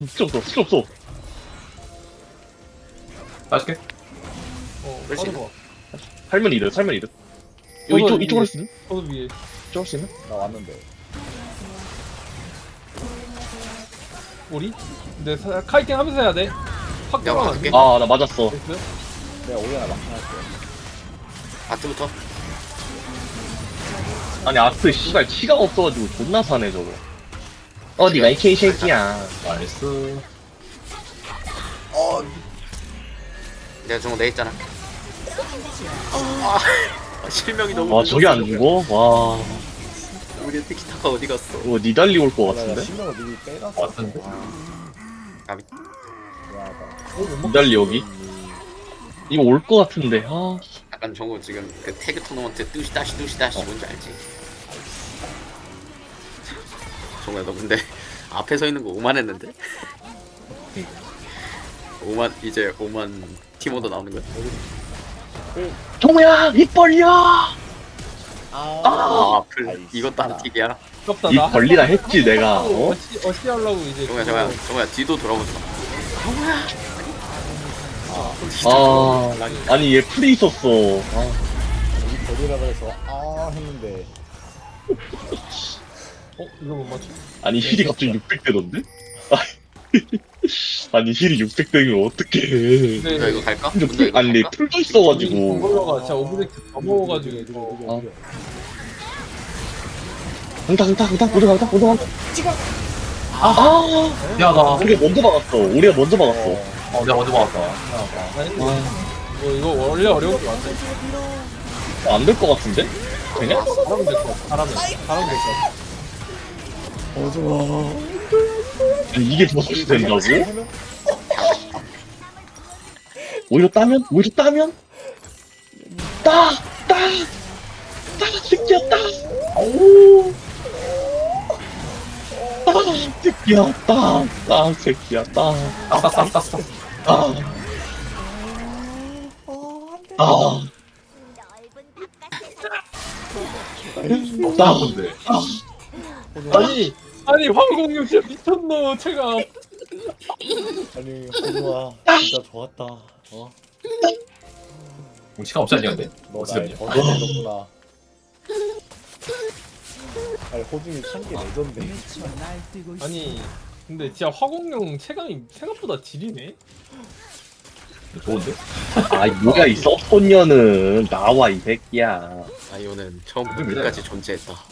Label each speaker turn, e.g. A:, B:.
A: 스킬 없어, 스킬 없어.
B: 맛있게.
C: 그렇지.
D: 빠져봐.
A: 살면 이득, 살면 이득. 이거
D: 저도
A: 이쪽으로
D: 위에.
A: 할 수 있나?
D: 저도 위에.
A: 이쪽으로 할 수 있나?
C: 나 왔는데.
D: 우리? 근데 카이팅 하면서 해야 돼. 확
C: 내가
D: 들어가면 안
C: 맞을게.
D: 돼.
A: 아, 나 맞았어.
D: 됐어요?
C: 내가 오리아나 막판할게.
D: 어,
C: 아트부터.
A: 아니, 아트, 씨발, 치가 없어가지고 존나 사네, 저거. 어디가 이 개새끼야.
B: 나이스.
C: 내가 저거 내 있잖아. 실명이 너무.
A: 와, 저게 안 죽어? 와,
C: 우리 티키타카 어디 갔어?
A: 이거 니달리 올 것
C: 나
A: 같은데?
C: 실명을 미리 빼놨어.
B: 왔는데?
C: 아비. 미안하다.
A: 니달리 여기? 이거 올 것 같은데, 아.
C: 약간 저거 지금 그 태그 토너먼트 뚜시다시 뭔지 알지? 정우야 너 근데 앞에 서 있는 거 오만했는데? 오만 이제 오만 티모도 나오는 거야?
A: 정우야, 입 벌려!
C: 아 앞을 이것도 안 튀기야.
D: 아깝다.
A: 입 벌리라 했지, 내가. 어?
D: 어시 하려고 이제.
C: 정우야 뒤도 돌아보지 마.
A: 아, 아니, 얘 풀이 있었어. 아.
C: 이 거리라 그래서 했는데
D: 이거 못 맞춰.
A: 아니, 힐이 갑자기 600대던데? 아니, 힐이 600대면 어떡해.
C: 문도 이거 갈까?
A: 근데
C: 문도 이거
A: 아니,
C: 갈까?
A: 풀도 있어가지고.
D: 공걸러가 진짜 오브젝트 다 먹어가지고 이거.
A: 강타, 모두 강타.
B: 야, 나.
A: 우리가 먼저 막았어. 우리가 먼저 막았어.
B: 내가 먼저 먹었다.
D: 아니, 이거 원래 어려운 게 맞아.
A: 안 될 것 같은데? 되냐?
D: 잘하면 될 것 같아. 잘하면 될 것 같아.
A: 아니, 이게 버섯이 된다고? 오히려 따면? 따! 새끼야, 따! 오! 새끼야, 따! 새끼야, 따!
B: 싹싹싹싹.
A: 아! 아! 따!
B: 근데.
D: 아니 황공룡 진짜 미쳤노 제가.
C: 아니 호두아 진짜 좋았다.
B: 시간 없지 않냐, 근데?
C: 너날 버텨줬구나. 아니 호중이 참기 레전드.
D: 아니 근데 진짜 화공룡 체감이 생각보다 지리네.
B: 좋은데?
A: 아, 뭐야, 이 썩소녀는. 나와, 이 새끼야.
C: 아이오는 처음부터 끝까지 존재했다.